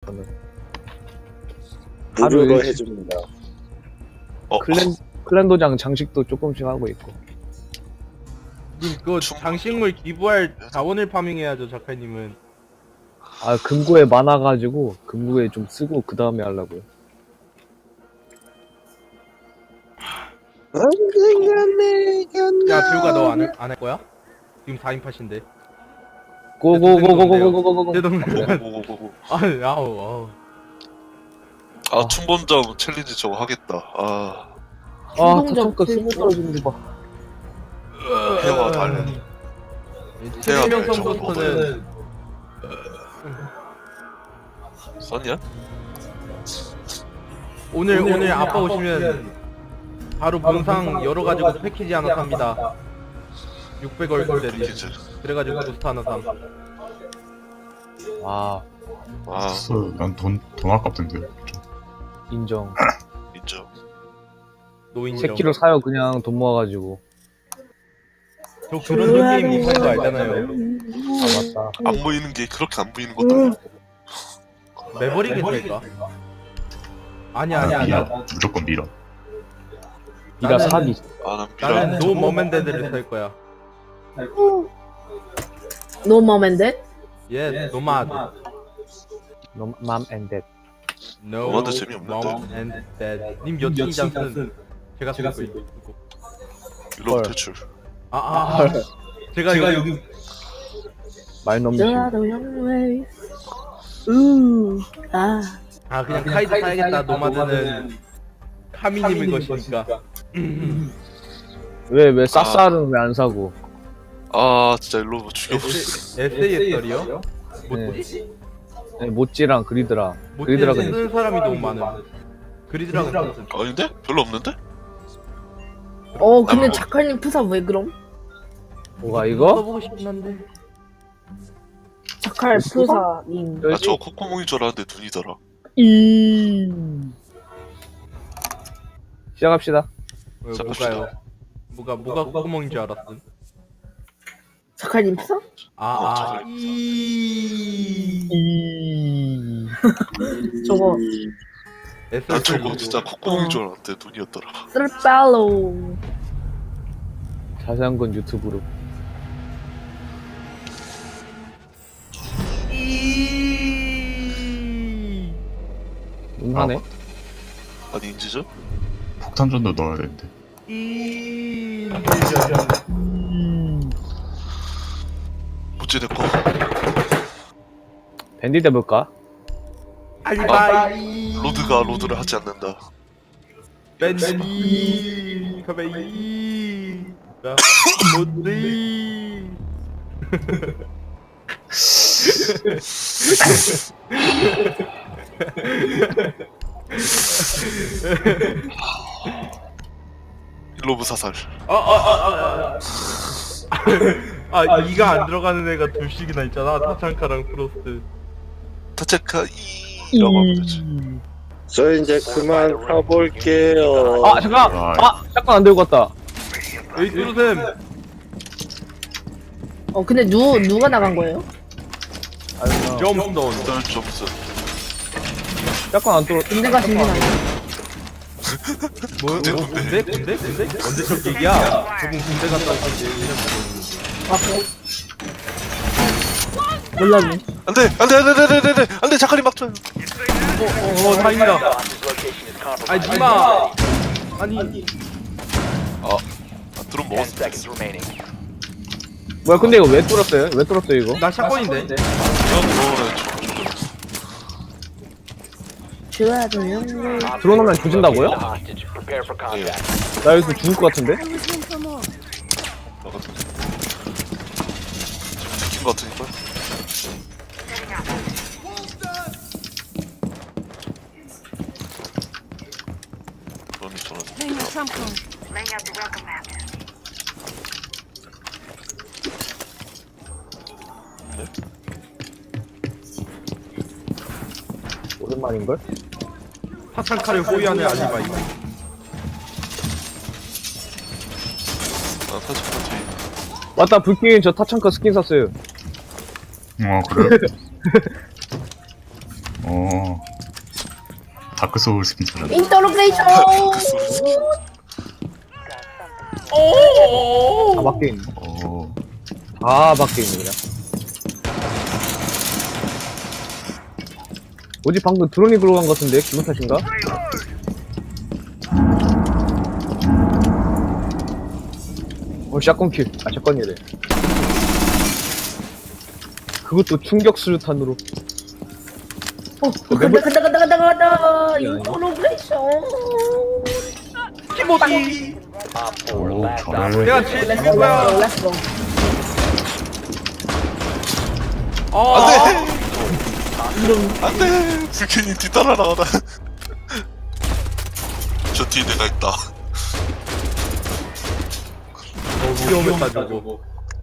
저는. 무료로 하루에 해줍니다. 클랜 도장 장식도 조금씩 하고 있고. 님 그거 장식물 기부할 자원을 파밍해야죠 작가님은. 아 금고에 많아가지고 금고에 좀 쓰고 그 다음에 하려고요. 야 재우가 너 안 할 거야? 지금 4인팟인데. 고고고고고고고고고. 내 동네. 오고고고고. 아우. 아 충본점 챌린지 저거 하겠다. 아 아 타창가 스무 떨어지는 거 봐. 해와 달래. 생명성부터는 썼냐? 오늘 아빠 오시면 바로 본상 여러 가지고 패키지 하나 삽니다. 600월 대리. 패키지. 그래가지고 부스트 하나 삼. 아 아 난돈 아깝던데. 인정. 인정. 노인정. 새끼로 사요 그냥 돈 모아가지고. 저 그런 게임 못하는 거 알잖아요. 아 맞다. 안 보이는 게 그렇게 안 보이는 것도 아니야. 매버릭일까? 아니야. 미라. 무조건 미라. 니가 나는- 사기. 아난 나는 미라. 노 머맨데드를 살 거야. No mom and dad? 예, 노마드. 맘 앤댓. No 노마드 재미없는데. mom and dad. 님 여친 장슨 제가 쓰고 있고. 유럽 퇴출. 제가 여기 말 넘치고. The young ways. 그냥 카이드 사야겠다. 노마드는 카미님의 것이니까. 왜 쌉쌀은 왜 안 사고? 아 진짜 일로 죽여버렸어. SASR이요? 네. 네, 모찌랑 그리드라. 모찌 그리드라 그냥. 쓰는 사람이 너무 많음. 그리드라가 쓰는. 아닌데? 별로 없는데? 근데 작가님 프사 왜 그럼? 뭐가 이거? 써보고 싶긴 한데. 작가 프사님. 아 저 콧구멍인 줄 알았는데 눈이더라. 시작합시다. 뭐가요? 뭐가 콧구멍인 줄 알았음. 작가님 프사? 저거 난 저거 진짜 콧구멍인 줄 알았는데 눈이었더라. 쓸빨로. 자세한 건 유튜브로. 하네. 아니 인지죠? 폭탄전도 넣어야 되는데. 못지 내꺼. 밴디 해볼까? 알바이. 로드가 로드를 하지 않는다. 밴디 가베이 모드. 로브 사살. 이가 안 들어가는 애가 둘씩이나 있잖아. 타창카랑 프로스트. 타체카 이라고 하면 되지. 저 이제 그만 가볼게요. 아 잠깐. 잠깐 안 들고 왔다. 에이 뚜루쌤. 근데 누가 나간 거예요? 점스톤. 썰 점수. 잠깐 안 들어. 군대가 준비 아니야? 군대? 언제 적 얘기야? 저분 군대 갔다 왔을 때 얘기는 그래? 몰랐네. 안돼 자카리 막줘요. 다행이다. 아니 니마. 아니 드론 먹었어. 뭐야 근데 이거 왜 뚫었어요? 왜 뚫었어요 이거? 나 샷건인데. The young ways. 드론하면 조진다고요? 나 여기서 죽을 것 같은데? 새낀 거 같으니까. 드론이 저런. Laying out the welcome mat. 오랜만인걸? 타창카를 호위하는 알리바이. 아 타체카 뒤. 맞다 불킹 저 타창카 스킨 샀어요. 그래? 다크 소울 스킨잖아. 인터로그레이션. 다 밖에 있네. 다 밖에 있네 그냥. 뭐지 방금 드론이 들어간 것 같은데 기분 탓인가? 샷건 킬. 샷건이래. 그것도 충격 수류탄으로. 간다. 인터로그레이션. 키모디. 오, 잘해. 내가 제일 렛츠고 좋은 거야. 렛츠고. 안돼 불캔이 뒤따라 나가다. 저 뒤에 내가 있다. 위험했다 저거.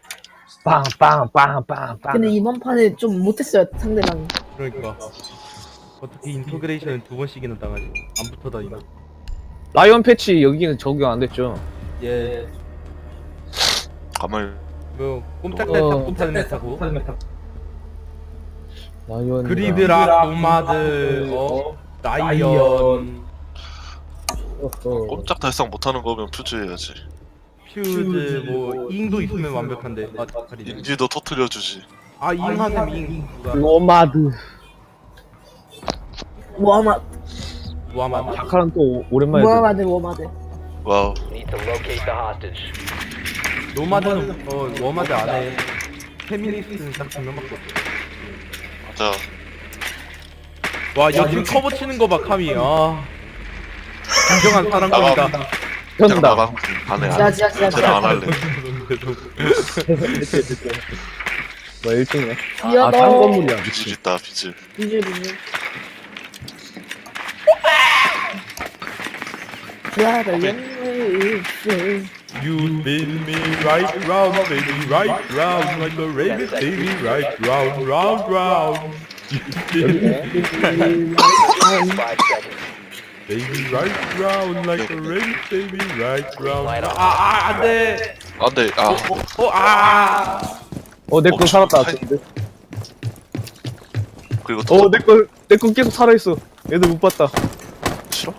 빵빵빵빵빵. 근데 이번 판에 좀 못했어요 상대방이. 그러니까 어떻게 인터그레이션을 2번씩이나 당하지? 안 붙어 다니나? 라이언 패치 여기는 적용 안 됐죠. 예. 가만히 뭐 꼼짝달싹 못하는 애 타고. 라이언. 그리드라, 노마드, 라이언, 꼼짝달싹 못하는 거면 퓨즈해야지. 퓨즈, 뭐 잉도 있으면 완벽한데. 아, 다리네. 인지도 터트려주지. 아, 잉하셈 잉. 누가? 노마드. 워마드. 무하마드. 자카랑 또 오랜만에. 워마드. 와우. 노마드는 워마드 안에 페미니스트는 딱 2명밖에 없어. 맞아. 와, 여친 커버 치는 거 봐, 카미. 아. 진정한 사랑꾼이다. 현다. 나랑 안 해. 지하. 쟤는 안 할래. 뭐 1등이네. 아, 귀여워. 다른 건물이야. 비질 있다 비질. 비주얼. 지하다 영을. You spin me right round, baby, right round, like a rabbit, baby, right round, round, round. You spin me baby, right round, like a rabbit, baby, right round. 안 돼. 안돼. 내 거 살았다. 그리고 또 내 거 계속 살아있어. 얘들 못 봤다. 싫어?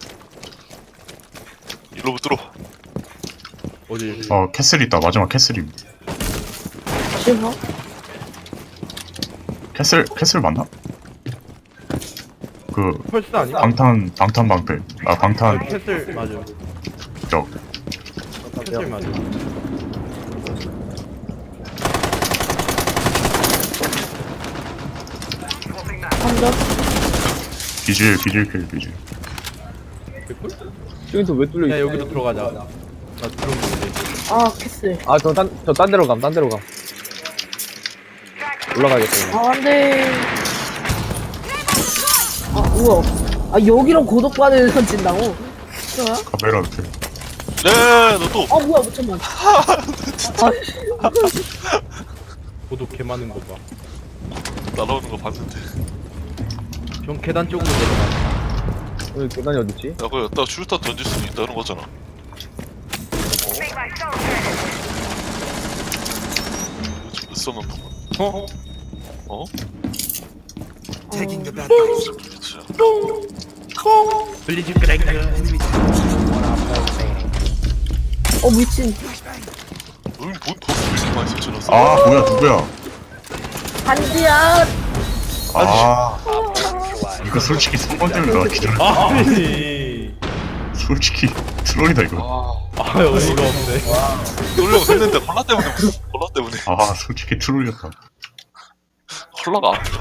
일로 들어. 어디? 캐슬 있다. 마지막 캐슬임. 싫어? 캐슬 맞나? 그 펄스 아니야? 방탄 방패. 방탄 캐슬 맞아. 적. 캐슬 맞아. 한점 비질 킬. 개꿀? 저기서 왜 뚫려 야, 있어? 여기로 들어가자. 나 들어온 건데. 캐슬. 저 딴 데로 감. 올라가야겠다. 안돼. 우와. 여기로 고독반을 던진다고? 뭐야? 카메라 킬. 네, 너 또. 뭐야 잠깐만. 고독 개 많은 거 봐. 날아오는 거 봤는데. 형 계단 쪽으로 내려가. 여기 계단이 어딨지? 야, 그거 여기다 슈루탄 던질 수 있다는 거잖아. 좀 있었는 동안. 어? 블리즈 그렉. 미친. 너희 뭔 버스 왜 이렇게 많이 설치놨어? 뭐야 누구야? 반지야. 이거 솔직히 3번 때문에 나 기다려. 아니. 솔직히 트롤이다 이거. 어이가 없네. 놀려고 했는데 콜라 때문에. 솔직히 트롤이었다. 콜라가 앞으로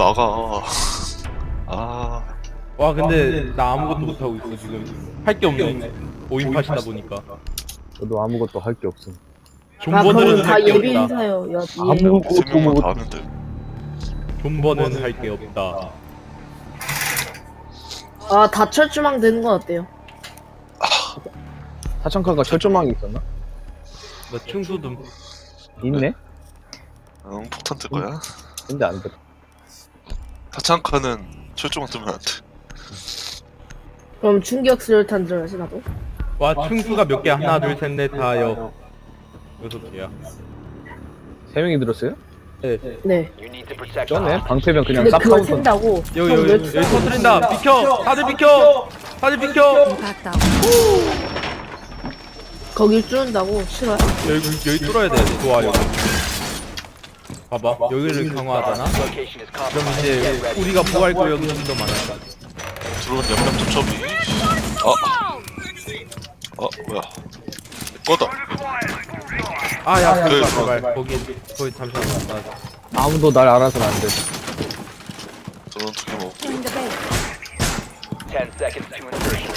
나가. 와, 근데 나 아무것도 못하고 있어 지금. 할 게 없네. 5인팟이다 보니까. 저도 아무것도 할 게 없음. 존버는 다 할 게 예비 없다. 인사요. 아무것도 세 명만 못. 다 아는데. 존버는 할 게 없다. 다철주망 되는 건 어때요? 타창카가 철조망이 있었나? 나 충수듬. 있네? 응, 폭탄 뜰 거야. 근데 안 돼. 타창카는 철조망 뜨면 안 돼. 그럼 충격 수류탄 들어야지 나도. 와, 충수가 몇 개? 하나, 둘, 셋, 넷, 다, 6개야. 3명이 들었어요? 네. 쩌네 방패면 그냥 근데 싹 그걸 하고 샌다고. 여기 형, 여기 왜 여기 터뜨린다. 비켜. 다들 비켜. 다들 비켜. Impact out. 거길 뚫는다고? 싫어요? 여기 뚫어야 돼. 좋아 여기. 봐봐. 여기를 강화하잖아. 그럼 이제 우리가 부활 구역이 좀 더 많아. 들어온 양념 좀 처비. 뭐야? 꺼다. 아야 네, 제발 거기 잠시만 나 아무도 날 알아서는 안돼 저는 두개 먹고. In the base. 10 seconds to insertion.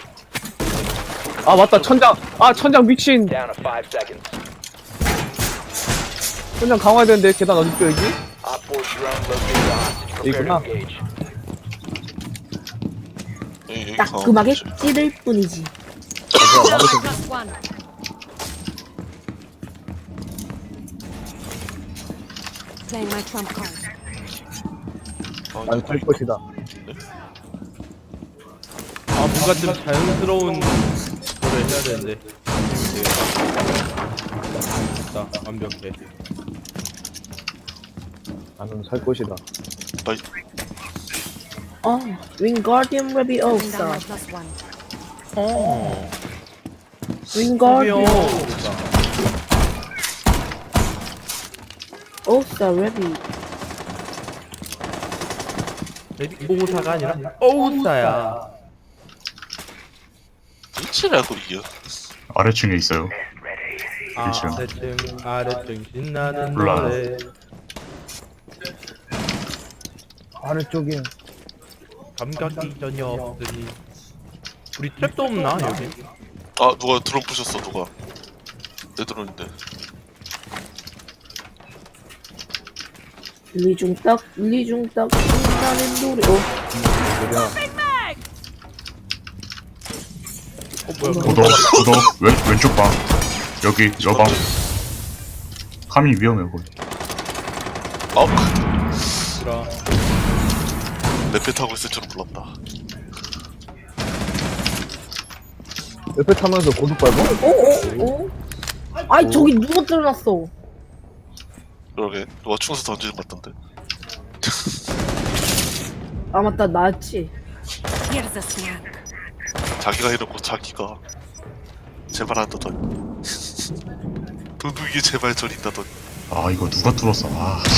아 맞다 천장 미친 Down to 5 seconds. 천장 강화해야 되는데 계단 어딨죠 여기? Op 4 drone located the hostage. Prepare to 있구나. engage. 따끔하게 찌를 뿐이지. Plus one. Playing my trump card. 난 살 것이다 아 뭔가 좀 자연스러운 거를 해야 되는데 됐다 완벽해 나는 살 것이다 어, 윙가디움 Putting down 레비오사. my plus one. 어 윙가디움 수비요 오사 레비. 오사가 아니라 오사야 끝이라고 이겨. 아래층에 있어요. 아래층 아래층 신나는 몰라. 노래 아래쪽에 감각이 전혀 없으니 우리 트랩도 없나 여기? 누가 드론 부셨어 누가? 내 드론인데. 리중딱 신나는 노래. 어, 뭐야 구독 왼쪽 방 여기 여방 감이 위험해 거기. 그라 내패 타고 있을 줄은 몰랐다. 옆에 타면서 고속 밟아? 어? 아이, 저기 누가 뚫어놨어? 그러게 누가 충수 던지는 것 같던데. 아, 맞다, 나였지. Here's a snack. 자기가 이러고 자기가 제발 한다더니 도둑이 제발 저린다더니. 아 이거 누가 뚫었어.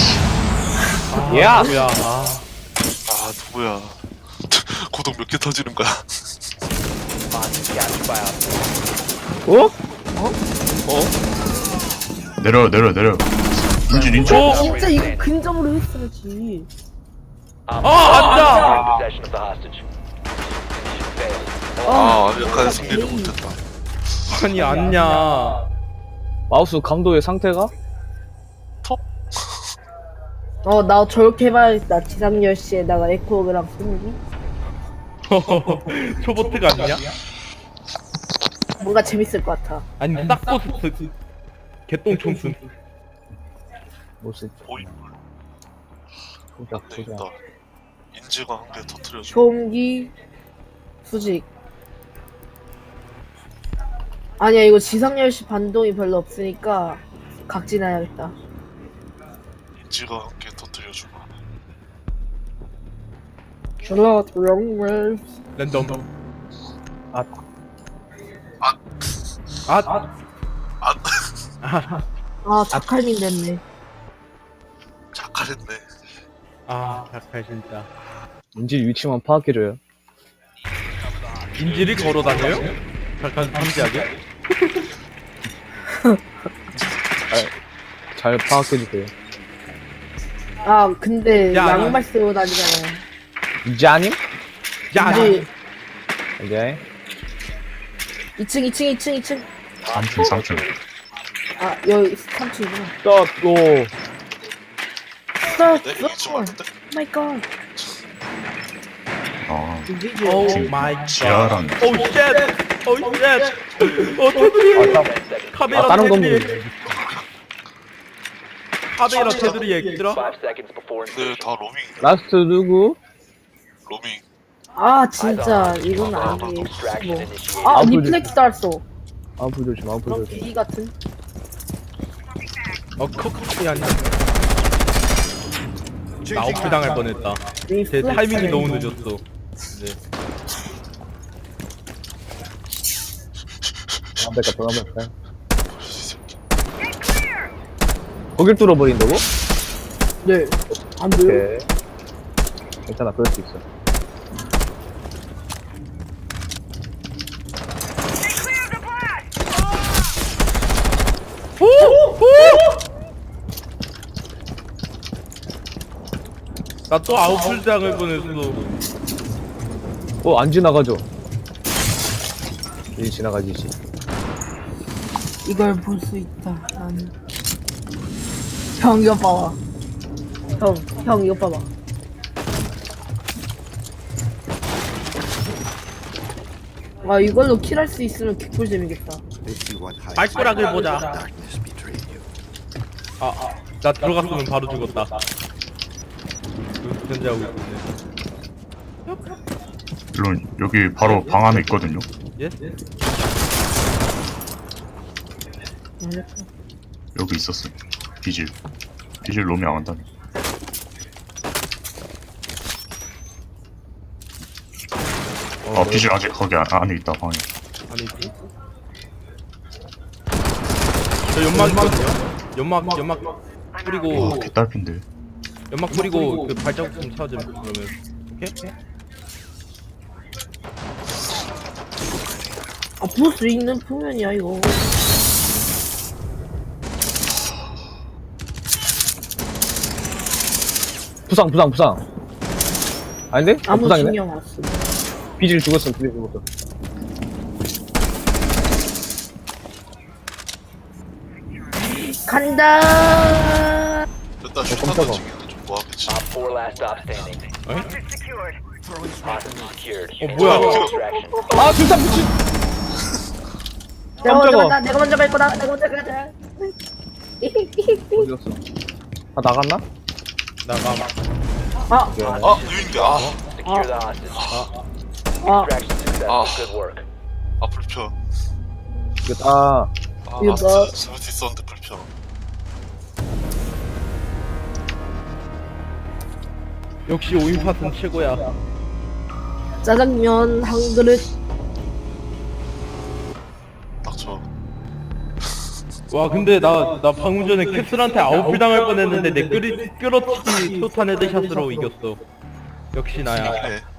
야! 뭐야 누구야? 고독 몇 개 터지는 거야? Hostage captured by Op 4. 어? 내려. 인질. 진짜 이거 근접으로 했어야지. Op 앉아! 4 in possession of the hostage. Mission failed. 완벽한 승리를 못했다. 아니 안냐 마우스 감도의 상태가? 나 저렇게 해봐야겠다. 지상 10시에다가 에코그랑 소음기? 초보트가 아니냐? 뭔가 재밌을 것 같아. 아니 싹보스 개똥총순 모습 보이 보자 되겠다. 인지가 한 개 터트려줘. 소음기, 수직. 아니야, 이거 지상 10시 반동이 별로 없으니까 각진해야겠다. 인지가 한 개 터트려주고. 샬롯 롱웰. 랜덤 아. 아, 자칼민 됐네. 착하랬네. 작할 진짜 인질 위치만 파악해줘요 인질이 걸어다녀요? 잠깐 잠시하게 잘 파악해주세요 아, 근데 야, 양말 쓰고 다니잖아요. 이자님? 야 근데 오케이 2층. 3층. 아, 여기 3층이구나. 스톱 고 스톱! 네? 이쯤 왔는데? 마이 갓. 오 지금 마이 지하란. 오쉣 테두리 카메라 다른 테두리 건물 카메라 테두리 엑스라 5 seconds before 근데 insertion. 다 로밍. 라스트 누구? 로밍. 아, 진짜 이건 아니에요. Extraction 뭐. initiated. 아, 아프지. 리플렉스 달았어. 아프 조심 그런 개기 같은. 커커이 아니야 나 아웃풀 당할 뻔했다. 제 타이밍이 너무 늦었어. 네. 안 될까, 돈 한번 할까요? 거길 뚫어버린다고? 네. 안 돼요? 오케이. 괜찮아, 그럴 수 있어. 나 또 아웃풀 당할 뻔했어. 안 지나가죠? 이 지나가지지. 이걸 볼 수 있다. 나는. 형 이거 봐봐. 형 이거 봐봐. 아 이걸로 킬할 수 있으면 개꿀잼이겠다. 발가락을 보자. 나 들어갔으면 바로 죽었다. 현재하고 있네. 물론 여기 바로 방 안에 있거든요. 예? 여기 있었어요. 비질 놈이 안 한다네. 비질 아직 거기 안에 있다 방에. 아니지. 저 연막 있거든요? 연막 뿌리고 개딸핀데. 연막 뿌리고 그 발자국 좀 찾으면 그러면 오케이? 아 볼 수 있는 표면이야 이거. 부상. 아닌데? 아무 부상이네? 신경 안 써. 비질 죽었어. 간다. 일단 슈터 깜짝아. 던지기는 좀 뭐하겠지. Op 4 last stop standing. Hostage secured. 뭐야? Extraction. 아, 둘 다 미친! 내가 먼저 깜짝아. 간다. 내가 먼저 갈 거다. 내가 먼저 가자. 어디 갔어? 나갔나? 나가. 유인기 Secure the hostage. 아 Extraction successful. Good work. 불편. 이거 다, 이거 뭐- 스마트 있었는데 불편. 역시 5인 팟은 최고야. 짜장면 한 그릇. 닥쳐. 와 근데 나 방금 전에 캡슐한테 아웃풀 당할 뻔했는데 내 끌어치기 토탄 헤드샷으로 이겼어. 역시 나야. 네.